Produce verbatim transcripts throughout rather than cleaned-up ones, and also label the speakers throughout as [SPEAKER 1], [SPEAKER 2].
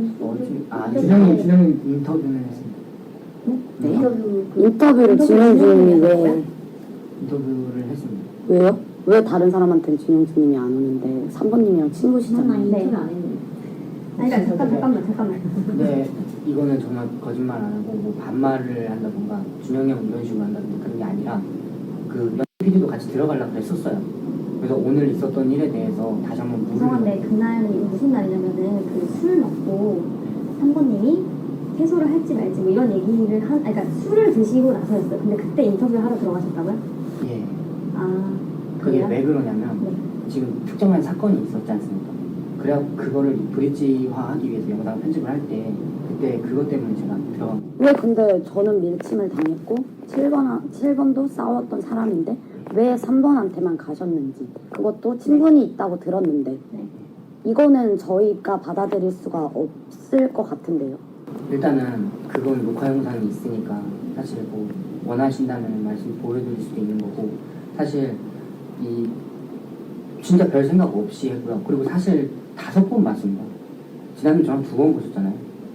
[SPEAKER 1] 어제 아 준영이 준영이 인터뷰는 했습니다.
[SPEAKER 2] 네?
[SPEAKER 3] 인터뷰 그
[SPEAKER 2] 인터뷰를 진영준님이 왜
[SPEAKER 1] 인터뷰를 했습니다.
[SPEAKER 2] 왜요? 왜 다른 사람한테는 진영준님이 안 오는데 삼 번님이랑 친구시잖아요.
[SPEAKER 3] 네. 인터뷰 안 했는데. 아니 그러니까 잠깐 잠깐만 잠깐만.
[SPEAKER 1] 근데 이거는 정말 거짓말 안 하고 뭐 반말을 한다던가 준영이 형 이런 식으로 한다던가 그런 게 아니라 그 피디도 같이 들어가려고 했었어요. 그래서 오늘 있었던 일에 대해서 다시 한번 물을
[SPEAKER 3] 죄송한데 그날이 무슨 날이냐면은 그 술 먹고 삼번님이 해소를 할지 말지 뭐 이런 얘기를 한, 아니, 그러니까 술을 드시고 나서였어요. 근데 그때 인터뷰를 하러 들어가셨다고요?
[SPEAKER 1] 예.
[SPEAKER 3] 아
[SPEAKER 1] 그게
[SPEAKER 3] 그래요?
[SPEAKER 1] 왜 그러냐면
[SPEAKER 3] 네.
[SPEAKER 1] 지금 특정한 사건이 있었지 않습니까? 그래 그거를 브릿지화하기 위해서 영상 편집을 할 때 그때 그것 때문에 제가 들어간 거예요.
[SPEAKER 2] 왜 근데 저는 밀침을 당했고 칠 번, 칠 번도 싸웠던 사람인데 왜 삼 번한테만 가셨는지 그것도 친분이 있다고 들었는데
[SPEAKER 3] 네.
[SPEAKER 2] 이거는 저희가 받아들일 수가 없을 것 같은데요.
[SPEAKER 1] 일단은 그건 녹화 영상이 있으니까 사실 뭐 원하신다면 말씀 보여드릴 수도 있는 거고 사실 이 진짜 별 생각 없이 했고요. 그리고 사실 다섯 번 봤습니다. 지난주 저랑 두 번 보셨잖아요.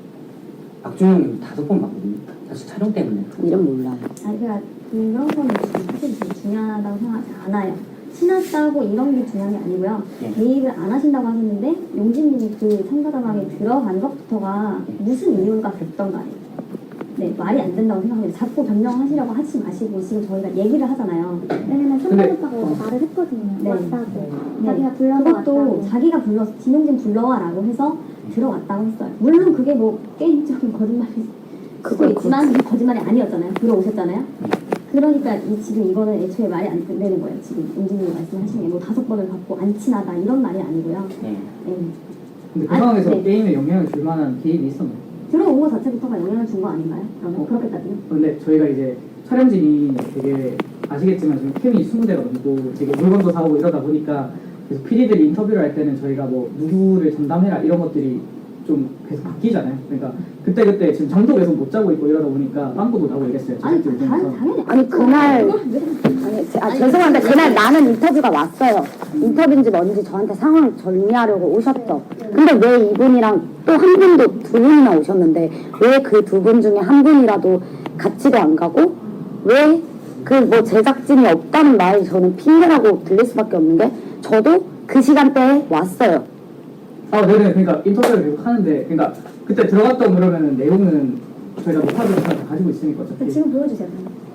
[SPEAKER 1] 박준영님 다섯 번 봤거든요. 사실 촬영 때문에.
[SPEAKER 2] 이름 몰라요.
[SPEAKER 3] 아니 그러니까 그런 거는 사실 되게 중요하다고 생각하지 않아요. 친하다고 이런 게 중요한 게 아니고요.
[SPEAKER 1] 예.
[SPEAKER 3] 개입을 안 하신다고 하셨는데 용진님이 그 참가자방에 들어간 것부터가 무슨 이유가 됐던가요. 네, 말이 안 된다고 생각합니다. 자꾸 변명하시려고 하지 마시고 지금 저희가 얘기를 하잖아요.
[SPEAKER 4] 왜냐면
[SPEAKER 1] 근데-
[SPEAKER 4] 선배오빠가 말을 했거든요.
[SPEAKER 3] 네.
[SPEAKER 4] 왔다고.
[SPEAKER 3] 네.
[SPEAKER 4] 자기가 불러서
[SPEAKER 3] 그것도
[SPEAKER 4] 왔다고.
[SPEAKER 3] 자기가 불러서 진용진 불러와라고 해서 들어왔다고 했어요. 물론 그게 뭐 게임적인 거짓말일 수도
[SPEAKER 2] 그건
[SPEAKER 3] 있지만 그게 거짓말이 아니었잖아요. 들어오셨잖아요. 그러니까 이 지금 이거는 애초에 말이 안 되는 거예요. 지금 용진님이 말씀하신 게 뭐 다섯 번을 받고 안 친하다 이런 말이 아니고요.
[SPEAKER 1] 네.
[SPEAKER 3] 네.
[SPEAKER 5] 근데 그
[SPEAKER 3] 아니,
[SPEAKER 5] 상황에서
[SPEAKER 3] 네.
[SPEAKER 5] 게임에 영향을 줄 만한 개입이 있었나요?
[SPEAKER 3] 들어온 거 자체부터가 영향을 준 거 아닌가요? 그러면
[SPEAKER 5] 어.
[SPEAKER 3] 그렇게 따지면?
[SPEAKER 5] 근데 저희가 이제 촬영진이 되게 아시겠지만 지금 캠이 이십 대가 넘고 되게 물건도 사오고 이러다 보니까 그래서 피디들이 인터뷰를 할 때는 저희가 뭐 누구를 전담해라 이런 것들이 좀 계속 바뀌잖아요. 그러니까 그때그때 지금 잠도 계속 못 자고 있고 이러다 보니까 빵꾸도 나고 이랬어요.
[SPEAKER 3] 아니
[SPEAKER 5] 제작진
[SPEAKER 3] 당,
[SPEAKER 5] 입장에서.
[SPEAKER 3] 당연히
[SPEAKER 2] 아니 그날
[SPEAKER 3] 그걸 왜-
[SPEAKER 2] 아니, 제- 아,
[SPEAKER 3] 아니,
[SPEAKER 2] 죄송한데
[SPEAKER 3] 그게-
[SPEAKER 2] 그날 나는 인터뷰가 왔어요. 인터뷰인지 뭔지 저한테 상황 정리하려고 오셨죠. 근데 왜 이분이랑 또 한 분도 두 분이나 오셨는데 왜 그 두 분 중에 한 분이라도 같이도 안 가고 왜 그 뭐 제작진이 없다는 말이 저는 핑계라고 들릴 수밖에 없는 게 저도 그 시간대에 왔어요.
[SPEAKER 5] 아, 네네. 그러니까 인터뷰를 계속 하는데, 그러니까 그때 들어갔던 그러면은 내용은 저희가 녹화를 다 가지고 있으니까 어차피.
[SPEAKER 3] 지금 보여주세요.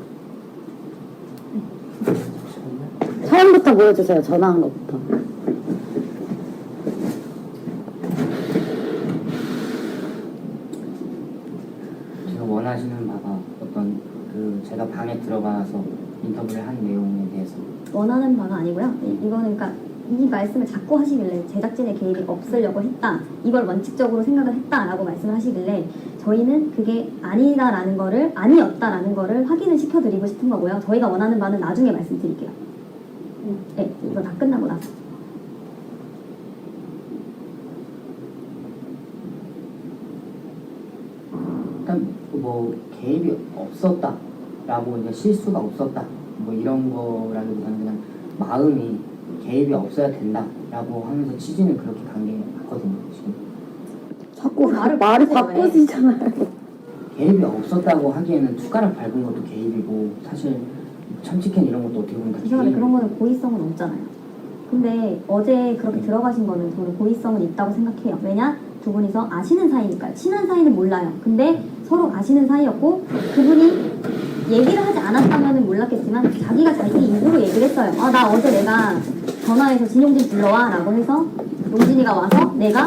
[SPEAKER 2] 처음부터 보여주세요. 전화한 것부터.
[SPEAKER 1] 제가 원하시는 바가 어떤 그 제가 방에 들어가서 인터뷰를 한 내용에 대해서
[SPEAKER 3] 원하는 바가 아니고요. 이- 이거는 그러니까 이 말씀을 자꾸 하시길래 제작진의 개입이 없으려고 했다. 이걸 원칙적으로 생각을 했다라고 말씀을 하시길래 저희는 그게 아니다라는 거를 아니었다라는 거를 확인을 시켜드리고 싶은 거고요. 저희가 원하는 바는 나중에 말씀드릴게요. 네, 이거 다 끝나고 나서.
[SPEAKER 1] 일단 뭐 개입이 없었다라고 이제 실수가 없었다 뭐 이런 거라기보다는 그냥 마음이 개입이 없어야 된다라고 하면서 취지는 그렇게 간 게 맞거든요. 지금
[SPEAKER 2] 자꾸
[SPEAKER 3] 어, 말을
[SPEAKER 2] 말을
[SPEAKER 3] 바꾸세요,
[SPEAKER 2] 바꾸시잖아요.
[SPEAKER 1] 개입이 없었다고 하기에는 숟가락 밟은 것도 개입이고 사실 참치캔 이런 것도 어떻게 보면 다
[SPEAKER 3] 죄송한데
[SPEAKER 1] 개입.
[SPEAKER 3] 그런 거는 고의성은 없잖아요. 근데 어제 그렇게 들어가신 거는 저는 고의성은 있다고 생각해요. 왜냐? 두 분이서 아시는 사이니까요. 친한 사이는 몰라요. 근데 서로 아시는 사이였고 그분이 얘기를 하지 않았다면 몰랐겠지만 자기가 자기 입으로 얘기를 했어요. 아, 나 어제 내가 전화해서 진용진 불러와 라고 해서 용진이가 와서 내가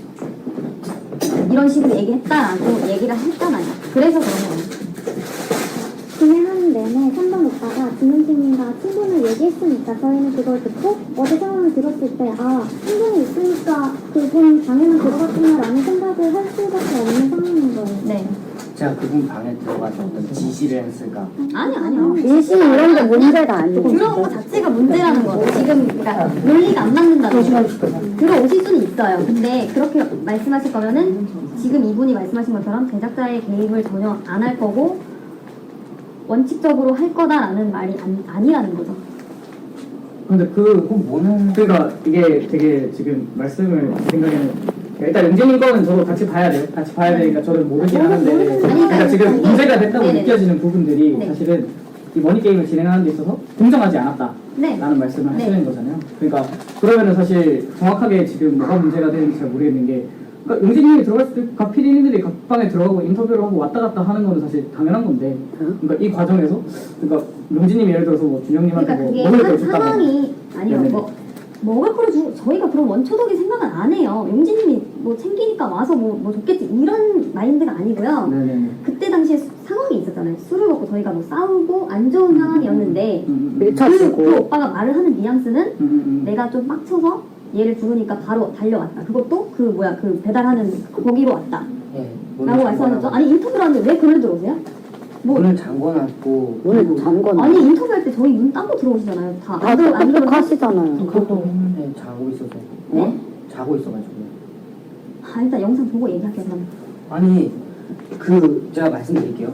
[SPEAKER 3] 이런 식으로 얘기했다라고 얘기를 했잖아요. 그래서 그런 거예요.
[SPEAKER 4] 진행하는 내내 삼 번 오빠가 진용진님과 친분을 얘기했으니까 저희는 그걸 듣고 어제 상황을 들었을 때 아, 친분이 있으니까 그분 방에만 들어갔구나라는 생각을 할 수밖에 없는 상황인 거예요.
[SPEAKER 3] 네.
[SPEAKER 1] 제가 그분 방에 들어가서 어떤 지시를 했을까
[SPEAKER 3] 아니, 아니요.
[SPEAKER 2] 일시 이런 게 문제가 아니에요.
[SPEAKER 3] 들어온 거 자체가 문제라는 거죠. 지금 그러니까 논리가 안 맞는다는 거죠. 들어오실 수는 있어요. 근데 그렇게 말씀하실 거면은 지금 이분이 말씀하신 것처럼 제작자의 개입을 전혀 안 할 거고 원칙적으로 할 거다라는 말이 안, 아니라는 거죠.
[SPEAKER 5] 근데 그
[SPEAKER 1] 그건 뭐는
[SPEAKER 5] 그러니까 이게 되게 지금 말씀을 제 생각에는 일단 영진님 거는 저도 같이 봐야 돼요. 같이 봐야 되니까 저는 모르긴 하는데
[SPEAKER 3] 아니,
[SPEAKER 5] 그러니까 지금
[SPEAKER 3] 아니,
[SPEAKER 5] 문제가 됐다고
[SPEAKER 3] 네네네.
[SPEAKER 5] 느껴지는 부분들이
[SPEAKER 3] 네.
[SPEAKER 5] 사실은 이 머니 게임을 진행하는 데 있어서 공정하지 않았다라는
[SPEAKER 3] 네.
[SPEAKER 5] 말씀을
[SPEAKER 3] 네.
[SPEAKER 5] 하시는 거잖아요. 그러니까 그러면은 사실 정확하게 지금 뭐가 문제가 되는지 잘 모르겠는 게 그러니까 용진님이 들어갔을 때 각 피디님들이 각 방에 들어가고 인터뷰를 하고 왔다 갔다 하는 거는 사실 당연한 건데 그러니까 이 과정에서 그러니까 용진님이 예를 들어서 뭐 준영님한테
[SPEAKER 3] 그러니까
[SPEAKER 5] 뭐
[SPEAKER 3] 그게
[SPEAKER 5] 먹을 걸
[SPEAKER 3] 한
[SPEAKER 5] 줬다고
[SPEAKER 3] 상황이 아니요
[SPEAKER 5] 네네네.
[SPEAKER 3] 뭐 먹을 거를 주 저희가 그런 원초적인 생각은 안 해요. 용진님이 뭐 챙기니까 와서 뭐, 뭐 줬겠지 이런 마인드가 아니고요.
[SPEAKER 5] 네네네.
[SPEAKER 3] 그때 당시에 수- 상황이 있었잖아요. 술을 먹고 저희가 뭐 싸우고 안 좋은 상황이었는데
[SPEAKER 5] 음, 음, 음.
[SPEAKER 3] 그,
[SPEAKER 2] 밀쳐주고
[SPEAKER 3] 그 오빠가 말을 하는 뉘앙스는
[SPEAKER 5] 음, 음, 음.
[SPEAKER 3] 내가 좀 빡쳐서 얘를 부르니까 바로 달려왔다. 그것도 그 뭐야 그 배달하는 거기로 왔다.
[SPEAKER 1] 예,
[SPEAKER 3] 라고 말씀하셨죠. 아니 인터뷰를 하는데 왜 글을 들어오세요? 뭐
[SPEAKER 1] 문을 잠궈놨고
[SPEAKER 2] 오늘 잠궈
[SPEAKER 3] 아니 인터뷰할 때 저희 문 딴 거 들어오시잖아요. 다
[SPEAKER 2] 다
[SPEAKER 3] 안 들어 안 들어
[SPEAKER 2] 똑똑하시잖아요.
[SPEAKER 1] 그것도 했는데 자고 있어서
[SPEAKER 3] 네?
[SPEAKER 1] 자고 있어가지고
[SPEAKER 3] 아 일단 영상 보고 얘기할게요. 그럼.
[SPEAKER 1] 아니 그 제가 말씀드릴게요.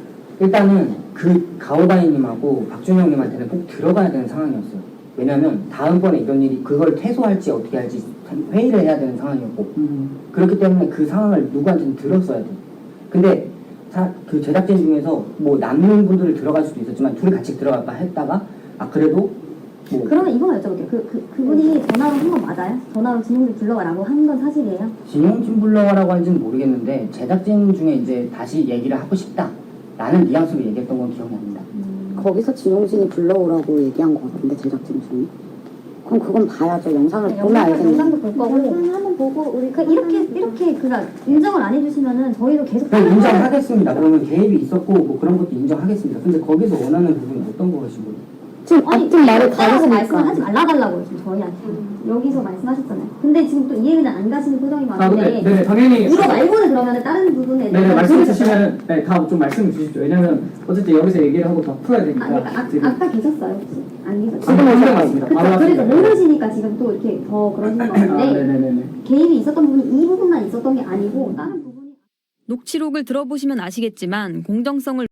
[SPEAKER 1] 일단은 그 가오다이님하고 박준영님한테는 꼭 들어가야 되는 상황이었어요. 왜냐면 다음번에 이런 일이 그걸 퇴소할지 어떻게 할지 회의를 해야 되는 상황이었고
[SPEAKER 5] 음.
[SPEAKER 1] 그렇기 때문에 그 상황을 누구한테는 들었어야 돼. 근데 사, 그 제작진 중에서 뭐 남는 분들을 들어갈 수도 있었지만 둘이 같이 들어갈까 했다가 아 그래도 뭐
[SPEAKER 3] 그러면 이거만 여쭤볼게요. 그, 그, 그분이 전화로 한 건 맞아요? 전화로 진용진 불러와라고 한 건 사실이에요?
[SPEAKER 1] 진용진 불러와라고 한지는 모르겠는데 제작진 중에 이제 다시 얘기를 하고 싶다라는 뉘앙스로 얘기했던 건 기억이 납니다.
[SPEAKER 2] 거기서 진용진이 불러오라고 얘기한 것 같은데 제작진 중에. 그럼 그건 봐야죠. 영상을 보면
[SPEAKER 3] 영상,
[SPEAKER 2] 알겠네.
[SPEAKER 3] 영상도 볼 거고.
[SPEAKER 4] 영상 한번 보고 우리
[SPEAKER 3] 그 이렇게 이렇게 그니까 인정을 안 해주시면은 저희도 계속
[SPEAKER 1] 그럼
[SPEAKER 3] 하는 거예요.
[SPEAKER 1] 인정하겠습니다. 그러면 개입이 있었고 뭐 그런 것도 인정하겠습니다. 근데 거기서 원하는 부분이 어떤 거시고요?
[SPEAKER 2] 지금
[SPEAKER 3] 아니
[SPEAKER 2] 앞뒤 말을
[SPEAKER 3] 없다라고 말씀을 하지
[SPEAKER 2] 다르시니까.
[SPEAKER 3] 말라달라고요 지금 저희한테 여기서 말씀하셨잖아요. 근데 지금 또 이해는 안 가시는 표정이
[SPEAKER 5] 아 근데
[SPEAKER 3] 많은데
[SPEAKER 5] 네네 당연히
[SPEAKER 3] 이거 말고는 그러면은 다른 부분에
[SPEAKER 5] 네네
[SPEAKER 3] 대해서
[SPEAKER 5] 말씀
[SPEAKER 3] 들으셨어요?
[SPEAKER 5] 주시면 네다 좀 말씀을 주십시오. 왜냐면 어쨌든 여기서 얘기를 하고 다 풀어야 되니까
[SPEAKER 3] 아, 그러니까 아,
[SPEAKER 5] 지금
[SPEAKER 3] 아까 계셨어요 혹시? 안 계셨어요?
[SPEAKER 5] 지금 오신 것 같습니다.
[SPEAKER 3] 그쵸,
[SPEAKER 5] 바로
[SPEAKER 3] 그래서
[SPEAKER 5] 왔습니다.
[SPEAKER 3] 모르시니까 지금 또 이렇게 더 그러시는
[SPEAKER 5] 아
[SPEAKER 3] 건데
[SPEAKER 5] 네네네네.
[SPEAKER 3] 개입이 있었던 부분이 이 부분만 있었던 게 아니고 다른 부분이
[SPEAKER 6] 녹취록을 들어보시면 아시겠지만 공정성을